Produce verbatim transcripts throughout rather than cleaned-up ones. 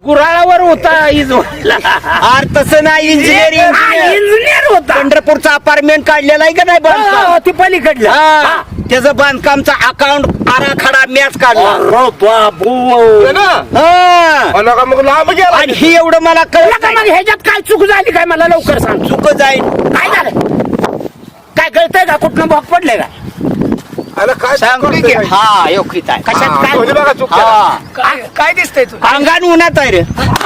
गुराळावर होता इजवायला. अरे तसं नाही, इंजिनिअरिंग इंजिनियर होता. पंढरपूरचं अपार्टमेंट काढलेलं आहे का नाही हो, बांधकाम? ते पलीकडलं. हा, त्याचं बांधकामचा अकाउंट आराखडा मॅच काढला. अरे बाबू. हा. नका मग लांब गेला. आणि ही एवढं मला तुला कळलं का मग ह्याच्यात काय चूक झाली काय मला लवकर सांग. चुक जाईल. काय झालं? काय कळतंय का? कुठनं भाग पडले का? अरे काय सांगते की करतोय? हा योग्यता आहे. कशात हा, काय? म्हणजे बघा चूक केला. हा, काय काय दिसतंय तू? अंगान उन्हात आहे रे.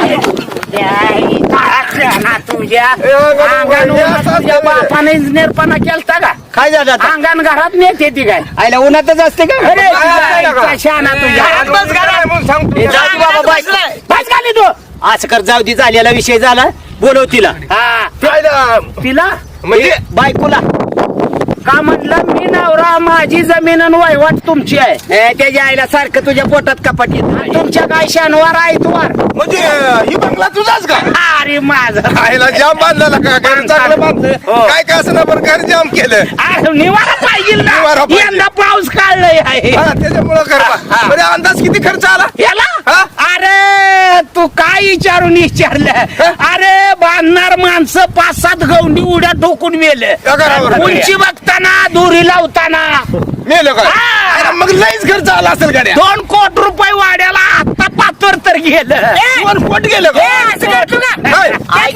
तुझ्या ए, अंगानं अंगानं उन्हात उन्हात तुझ्या असतं. बापाने इंजिनियरपणा केलता का? काय झालं आता? अंगण घरात नेते ती काय? आईला उन्हातच असते का? अरे काय तुझ्या आहे का? आईचा शहाणा तुझ्या. घरात बस घरात म्हणून सांगतो. ए, जाऊ दे बाबा, बाय. बस खाली तू. असं कर, जाऊ दे, झालेला विषय झाला. बोलव तिला. हा त्याला तिला म्हणजे बायकोला का म्हटलं मी नवरा, माझी जमीन आणि वहिवाट तुमची आहे. ए, त्याच्या आईला सारखं तुझ्या पोटात कपाट येत. तुमच्या काय शनिवार आहे तुवार. म्हणजे ही बंगला तुझाच का? अरे माझं आईला जाम बांधलेला का? घर चांगलं बांधलं. हो. काय काय असं ना बरं घर जाम केलं. अरे निवारा पाहिजे निवारा ना. पाहिजे. यंदा पाऊस काढलाय आहे हा, त्याच्यामुळं घर बा- हा. म्हणजे अंदाज किती खर्च आला? याला हा? अरे तू काय विचारून विचारलं? अरे बांधणार माणसं पाच सात गवंडी उड्या ठोकून मेले. या घरावर. उंची बघताना दुरी लावताना मेलं काय? हा. अरे मग लईच खर्च आला असेल गाड्या. दोन कोटी रुपये वाड्याला आता पाचवर तर गेलं. दोन कोट गेलं का? काय?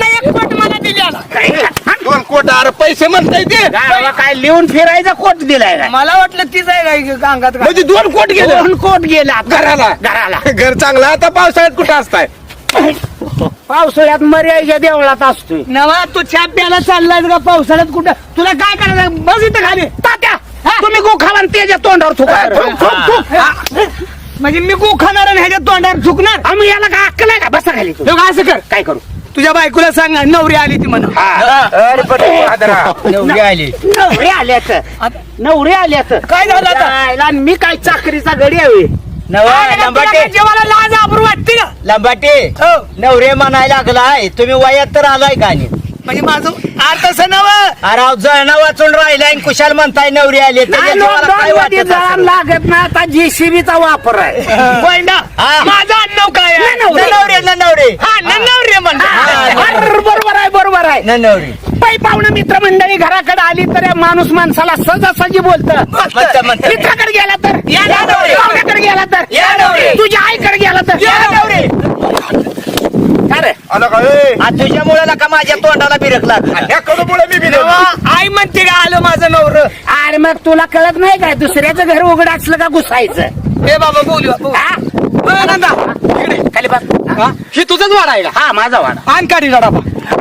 दोन कोट अरे पैसे म्हणताय ते गावाला काय लिहून फिरायचा कोट दिलाय काय? मला वाटलं तीच आहे का अंगात म्हणजे दोन कोट गेले दोन कोट गेला घराला घराला. घर चांगलं आता पावसाळ्यात कुठं असताय? पावसाळ्यात मर्यादेच्या देवळात असतोय. नवा तू छाप प्यायला चाललाय का पावसाळ्यात कुठं? तुला काय करायचं? बस इथं खाली. तात्या तुम्ही गोखावा आणि त्याच्या तोंडावर थुका. थुक, थुक, थुक. हा. म्हणजे मी गो खाणार आणि ह्याच्या तोंडावर झुकणार? आम्ही याला काय अक्कल आहे का? बसा खाली तू. हे बघ, असं कर. काय करू? तुझ्या बायकोला सांग ना, नवरी आली ती म्हणा. अरे पण आदरा. नवरी आली. नवरे आल्यात नवरे आल्यात. काय झालं आता? जायला आणि मी काय चाकरीचा गडी आहे. नवा लंबाटे जेवायला लाज आबरू वाटते ना. लंबाटे हो. नवरे म्हणायला लागलाय. तुम्ही वयात तर आलाय का नाही? म्हणजे माझं अर्थ असं नव. अरे अहो, जळणं वाचून राहिलाय आणि कुशाल म्हणताय नवरी आली. त्याच्या जीवाला काय वाटत जळण असेल? लागत ना. आता जेसीबीचा वापर आहे. वैंडा हा. माझं आडनाव काय आहे? नवरे. नवरे न नवरे हा, नवरे म्हणतात. अरे, बरोबर आहे बरोबर आहे. न नवरी पै पाहुणा मित्रमंडळी घराकडे आली तर या माणूस माणसाला सहजासहजी बोलत. म्हणतं, म्हणतं. मित्राकडे गेला तर या नवरे. पाहुण्याकडे गेला तर या नवरे. तुझ्या आईकडे गेला तर या नवरे. अरे आला का? ए, आज तुझ्यामुळे का माझ्या तोंडाला बिरकला. ह्या कडूमुळे मी बी नव्हतो. नवा, आई म्हणते का आलं माझं नवर. अरे मग तुला कळत नाही काय दुसऱ्याचं घर उघड असलं का घुसायचं? हे बाबा बोलू बोलू. हा? बरं, नंदा. इकडे, खाली बस. हा? ही तुझंच वाडा आहे का? हा माझा वाडा. आण काढी डाबा.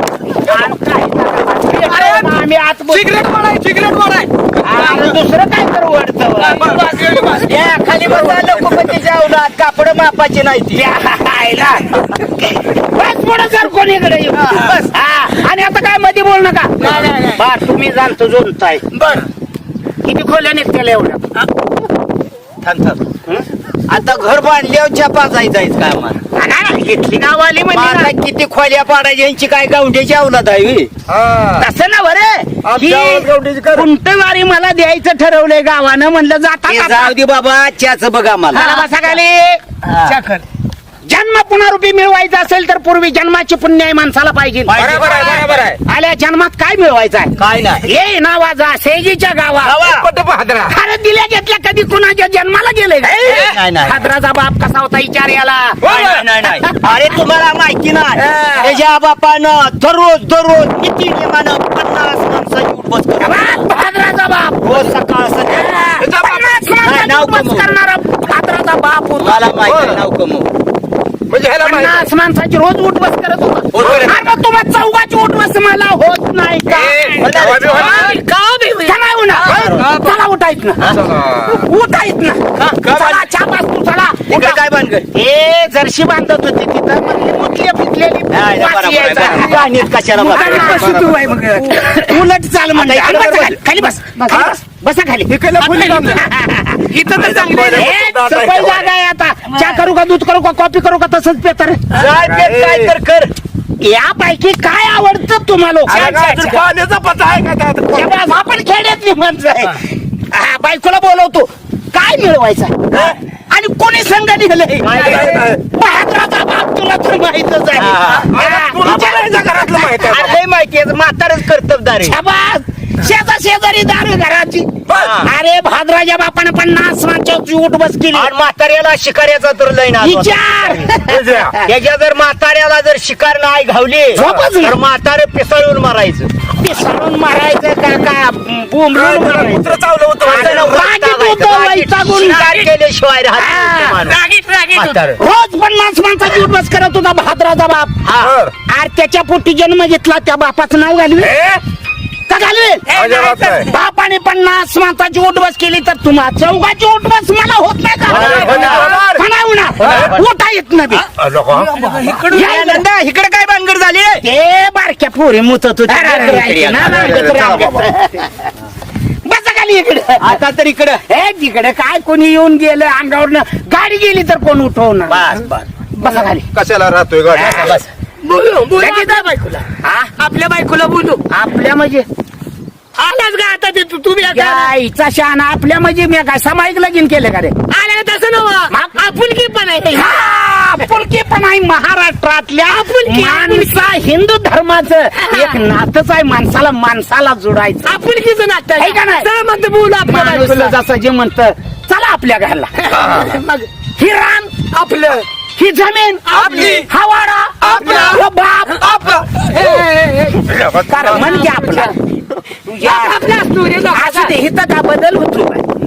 अरे आम्ही आत बोल- सिगरेट वाडा आहे, सिगरेट वाडा आहे. अरे दुसरं काय करू वाटतं? या खाली बसा लोकपतीच्या अवलाद. कापड मापाची नाही ती. बस पुढे सर कोणीकडे येऊ. बस हा. आणि आता काय मध्ये बोल नका. नाही, नाही, नाही. बर तुम्ही जाणतो जोडताय. बर. किती खोल्या निघतेल एवढं? थांब थांब. आता घर बांधल्यावर छापा जायचं का आम्हाला? घेतली गाववाली माझा म्हणजे किती खोल्या पाडायची यांची काय गावंड्याची अवलाद आहे होय? हा. तसं ना बरे आमच्या गावात गवंडीची कर. कुंटवारी मला द्यायचं ठरवलंय गावानं. म्हणलं ते जाता जाऊ दे बाबा, त्याच बघा मला. बसा खाली. हा. चाकर. जन्म पुनरुपी मिळवायचा असेल तर पूर्वी जन्माची पुण्य आहे माणसाला पाहिजे. बरोबर आहे बरोबर आहे. आल्या जन्मात काय मिळवायचं आहे? काय नाही. ये नावाजा सेजीच्या गावात. पट हादरा. अरे दिल्या घेतल्या कधी कुणाच्या जन्माला गेले नाही, नाही. खादराचा बाप कसा होता विचार याला. नाही, नाही, नाही, नाही. अरे तुम्हाला माहिती नाही. हा. त्याच्या बापानं दररोज दररोज किती नियमानं पन्नास माणसाची उपवास करतो. खादराचा बाप रोज सकाळ संध्याकाळ. पन्नास नाही, माणसाची नाव उपवास कमवू. करणारा खादराचा बाप होता. मला माहिती आहे, नाव कमव. म्हणजे ह्याला माहिती आहे. पन्नास माणसाची रोज उठवस करत होता. होत नाही. अरे मग तुम्हाला चौघाची उठवस मला होत नाही का? ए, होत नाही. गावा बी होत नाही. का बी? का नाही होणार? चला उठायत ना चला. उठायत ना. चला छाप असतो चला. तिकडे काय बांधकर? हे जर्शी बांधत होते तिथं मग ही मुतली फिटलेली नाही, वास बरोबर आहे, यायचा. बरोबर आहे. गाणीत कशाला मुलांना बघायचं? असं तू आहे मग. उलट चाल म्हणजे आता इकडे बसा बस. खाली. खाली बस खाली बस. बसा खाली. इकडला फुली बांधलं. इथं तर चांगली आहे. हे सफाई जागा आहे आता. चहा करू का दूध करू का कॉफी करू का तसंच पेतर. काय ते काय तर कर. यापैकी काय आवडतं तुम्हाला अरे काय तर पाण्याचा पत्ता आहे का त्यात? आपण खेड्यातली माणसं आहे. हा, बायकोला बोलवतो. काय मिळवायचं? आणि कोणी संघ निघले काय काय? बहादराचा बाप तुला तर माहितच आहे हा. हा. तुला पण याच्या घरातलं माहिती आहे अरे माहिती आहे म्हातारच कर्तबदार आहे शाबास शेजा शेजारी दारू घराची हा. अरे भाद्राच्या बापाने पन्नास माणसाची उठ बस केली आणि म्हाताऱ्याला शिकाऱ्याचा तर लय ना विचार त्याच्या जर म्हाताऱ्याला जर शिकार नाही घावली झोपच नाही. तर म्हातारे पिसळून मारायचं पिसाळून मारायचं का का बोंबलून मारायचं कुत्र चावलं होतं अरे माझ्या. रागीट होतं, वैतागून. शिकार केल्याशिवाय राहत हा. नाही ते माणूस. रागीट रागीट होतं. म्हातारं. रोज पन्नास माणसाची उठ बस करत होता भाद्राचा बाप हा. बर. अरे त्याच्या पोटी जन्म घेतला त्या बापाचं नाव घालवे ए, का घालवे अजिबात नाही. बापाने पन्नास माणसाची उठ बस केली तर तुम्हा चौघाची उठ बस मला होत नाही का होणार, होणार. का नाही होणार? उठा येत नाही अ, नको. या नंदा इकडे काय भानगड झाली ते बारक्या पोरी मुतत होती अरे, अरे, राहायची इकडे ना, या. रांगेत, चला रांगेत. बाबा. बसा खाली इकडे आता तर इकडं हे तिकडे काय कोणी येऊन गेलं अंगावरनं गाडी गेली तर कोण उठवणार बस बस बसा खाली कशाला राहतोय गाडी बस बोलू बोलू लगेच आपल्या बायकोला हा? आपल्या बायकोला बोलू आपल्या म्हणजे आलाच का आता ते तू तुम्ही आता आईचा शहाणा आपल्या म्हणजे मी काय सामायिक लगीन केलं का रे आला का तसं नव्हं आपुलकी पण आहे हा, आपुलकी पण आहे महाराष्ट्रातल्या आपुलकी, माणसा हिंदू धर्माचं एक नातच आहे माणसाला माणसाला जोडायचं आपुलकीचं नातं आहे का नाही? चला म्हणतो बोलू आपल्या माणूस बायकोला जसं जे म्हणत चला आपल्या घरला मग ही रान आपलं ही जमीन आपली. हा वाडा आपला. हा बाप आपला. ए, ए, ए, ए. कारण म्हणजे आपला तुझ्या आपला असतो रे लोकांचा. असं ते हिथं का बदल होतो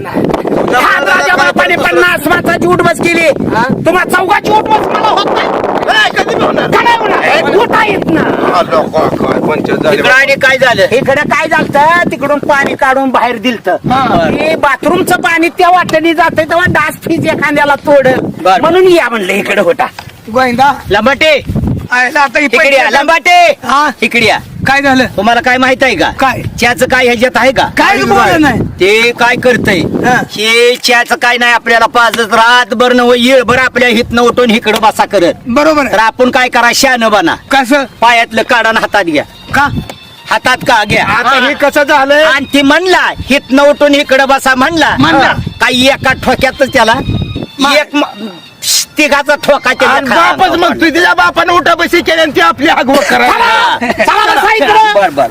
राजा बापाने पन्नास माणसाची उठ बस केली तुम्हा चौघाची उठ बस मला होत नाही ए, कधी होणार? का नाही होणार? उठा येत ना अ, नको, काय पंचायत झाली. इकडं आणि काय झालं इकडे काय झालं तिकडून पाणी काढून बाहेर दिलत ते बाथरूमचं पाणी त्या वाटणी जाते तेव्हा डास फीज एखाद्याला तोड बर. म्हणून या म्हणलं इकडे होता गोविंदा लंबाटे आयला आता ही इकडे या पहिली- लंबाटे हा. इकडे या काय झालं तुम्हाला काय माहित आहे का काय? च्याचं काय ह्याच्यात आहे का काय बोललं नाही ते काय करतय हा. हे च्याचं काय नाही आपल्याला पाजत रातभर न येळभर आपल्या हितनं उठून इकडं बसा करत बरोबर तर आहे आपण काय करा शान बना कसं पायातलं काढा हातात घ्या का हातात का घ्या आता हे कसं झालंय आणि ती म्हणला हितनं उठून इकडं बसा म्हणला म्हणला. काही एका ठोक्यातच त्याला एक म- तिघाचा ठोका त्याच्या आणि खाली बापच मग तू तिच्या बापाने उठा बशी केली आणि ती आपली आगवड करायला चला बसा इकडं. बर बर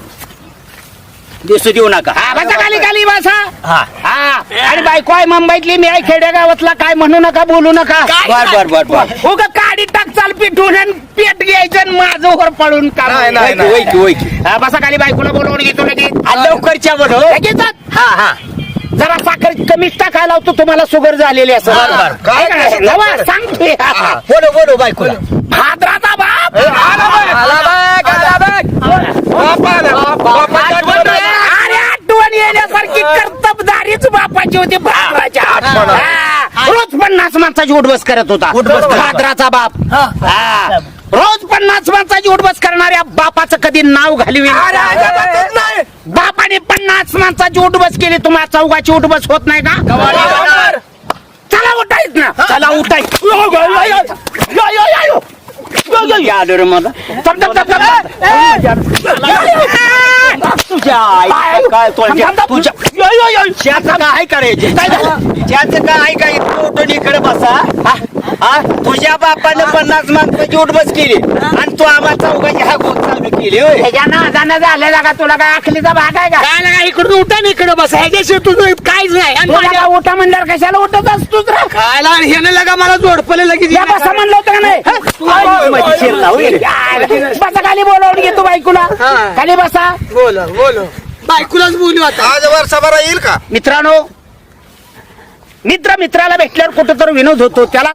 दिसू देऊ नका हा, बसा खाली खाली बसा हा हा आणि बायको आहे मुंबईतली मी आहे खेडेगावातला काय म्हणू नका बोलू नका बर बर बर बर उग काडी टाक चाल पिठून आणि पेट घ्यायचं आणि माझं वर पडून काम नाही, नाही, नाही. वैकी वैकी हा, बसा खाली बायकोला बोलवून घेतो लगेच आ, लवकरच्या बोल लगेच जा. हा हा जरा साखर कमीच टाकायला लावतो तुम्हाला शुगर झालेली असं बर, बर. काय करायचं? नवा, सांगतोय बोलो बोलो बायकोला भाद्राचा बाप आला बघ. आला बघ आला बघ बाप आला. बापाची आठवण आली. अरे आठवण येण्यासारखी कर्तबदारीच बापाची होती भाद्राच्या आठवण आली. हा. रोज पन्नास माणसाची उठबस करत होता उठबस करत. भाद्राचा बाप हा. रोज पन्नास माणसाची उठबस करणाऱ्या बापाचं कधी नाव घालवी अरे, अजिबातच नाही. बापाने पन्नास माणसाची उठबस केली तुम्हाला चौघाची उठबस होत नाही का होणार. चला उठायच ना चला उठायच यो, यो, यो, यो. यो, यो, यो, यो. यो, यो, यो. आलं रे मला थांब, थांब, थांब, थांब. तुझ्या आई काय तुझ्या थांब, थांब. तुझ्या यो, यो, यो. त्याचं काय करायचे काय झालं? त्याचं काय काय उठून इकडे बसा हा? हा तुझ्या बापानं पन्नास माणसाची उठबस केली आणि तू आम्हाला चौघाची हा गोत चालू केली होय ह्याच्या नादानं झालेला का तुला काय आखलीचा भाग आहे का काय लागा इकडून उठा ना इकडे बसा ह्याच्याशिवाय तुझं काहीच नाही आणि तुला माझ्या- का उठा म्हणल्यावर कशाला उठत असतोच रे काय लागा ह्यानं लागा मला जोडपले लगेच या बसा म्हणलं होतं का नाही आई, माझी शिरला, होय. यार, बसा खाली बोलावून घेतो बायकोला हा. खाली बसा बोल बोल बायकोलाच बोलू आता आज वर्षभरा येईल का मित्रांनो मित्र मित्राला भेटल्यावर कुठं तर विनोद होतो त्याला